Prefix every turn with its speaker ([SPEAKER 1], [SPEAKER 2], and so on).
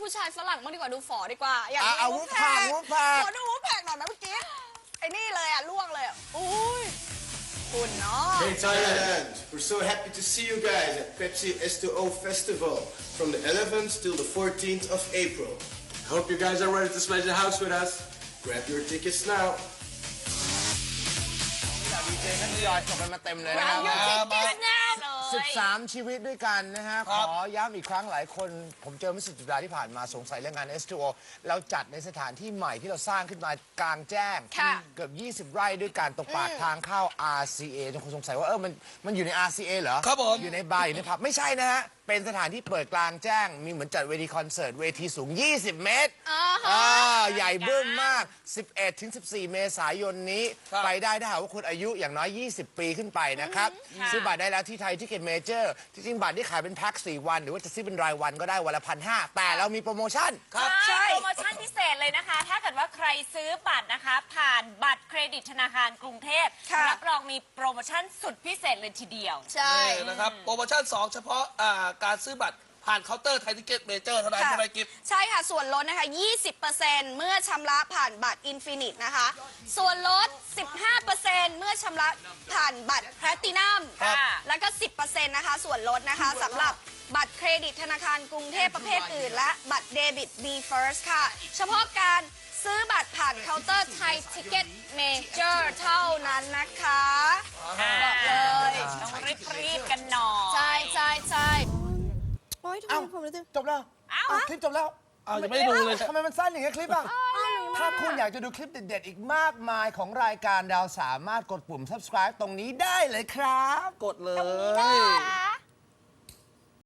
[SPEAKER 1] ผู้ชายฝรั่งบ้างดีกว่าดูฝอดีกว่าอยาก
[SPEAKER 2] เอา
[SPEAKER 1] ดู
[SPEAKER 2] วูฟแพกวูฟแพก
[SPEAKER 1] ขอดูวูฟแพกหน่อยไหมเมื่อกี้ไอ้นี่เลยอ่ะล่วงเลยอ่ะอุ้ยคุณเนาะ
[SPEAKER 3] Hey Thailand, we're so happy to see you guys at Pepsi S2O Festival from the 11th till the 14th of April. I hope you guys are ready to smash the house with us. Grab your tickets now.
[SPEAKER 2] ดีเจท่านทยอยส่งกันมาเต็มเลยนะค
[SPEAKER 1] ร้า
[SPEAKER 2] รั
[SPEAKER 1] น
[SPEAKER 2] บ
[SPEAKER 1] ยูทิกเก็ตแน่เลย
[SPEAKER 2] 13 ชีวิตด้วยกันนะฮะ ขอย้ำอีกครั้งหลายคน ผมเจอเมื่อ10 สัปดาห์ที่ผ่านมาสงสัยเรื่องงาน S2O เราจัดในสถานที่ใหม่ที่เราสร้างขึ้นมากลางแจ้ง เกือบ 20 ไร่ด้วยกันตรงปากทางเข้า RCA ทุกคนสงสัยว่ามันอยู่ใน RCA เหรอ
[SPEAKER 4] ครับผม
[SPEAKER 2] อยู่ในบาร์อยู่ในผับไม่ใช่นะฮะ เป็นสถานที่เปิดกลางแจ้ง มีเหมือนจัดเวทีคอนเสิร์ตเวทีสูง 20 เมตรใหญ่บึ้มมาก 11-14 เมษายนนี้ ไปได้ถ้าหากว่าคุณอายุอย่างน้อย 20 ปีขึ้นไปนะครับ ซื้อบัตรได้แล้วที่ไทยทิเก็ตเมเจอร์ที่จริงบัตรที่ขายเป็นแพ็ค4 วัน หรือว่าจะซื้อเป็นรายวันก็ได้วันละ1,500แต่เรามีโปรโมชั่น
[SPEAKER 5] ใช่โปรโมชั่นพิเศษเลยนะคะ ถ้าเกิดว่าใครซื้อบัตรนะคะ ผ่านบัตรเครดิตธนาคารกรุงเทพรับรองมีโปรโมชั่นสุดพิเศษเลยทีเดียว
[SPEAKER 1] ใช่
[SPEAKER 4] นี่นะครับโปรโมชั่น 2 เฉพาะการซื้อบัตรผ่านเคาน์เตอร์ไทยทิเก็ตเมเจอร์เท่านั้นใช่ไหมกิฟต์
[SPEAKER 1] ใช่ค่ะ ส่วนลดนะคะ 20%เมื่อชำระผ่านบัตรอินฟินิตนะคะ ส่วนลด 15%เมื่อชำระผ่านบัตรแพลตินัม
[SPEAKER 5] ครับ
[SPEAKER 1] แล้วก็ 10%นะคะ ส่วนลดนะคะสำหรับบัตรเครดิตธนาคารกรุงเทพประเภทอื่น และบัตรเดบิต B First ค่ะ เฉพาะการซื้อบัตรผ่านเคาน์เตอร์ไทยทิเก็ตเมเจอร์เท่านั้นนะคะบอกเลย
[SPEAKER 5] ต้องรีบๆกันหน่อย
[SPEAKER 1] ใช่ใช่ใช่
[SPEAKER 6] โอ๊ยทำไมผมรู้สึก
[SPEAKER 2] จบแล้ว
[SPEAKER 5] เอ้า
[SPEAKER 2] คลิปจบแล้ว
[SPEAKER 4] ยังไม่ได้ดูเลย
[SPEAKER 2] ทำไมมันสั้นอย่างเงี้ยคลิปอ่ะ ถ้าคุณอยากจะดูคลิปเด็ดๆ อีกมากมายของรายการเราสามารถกดปุ่ม subscribe ตรงนี้ได้เลยครับ
[SPEAKER 4] กดเลย
[SPEAKER 1] ได้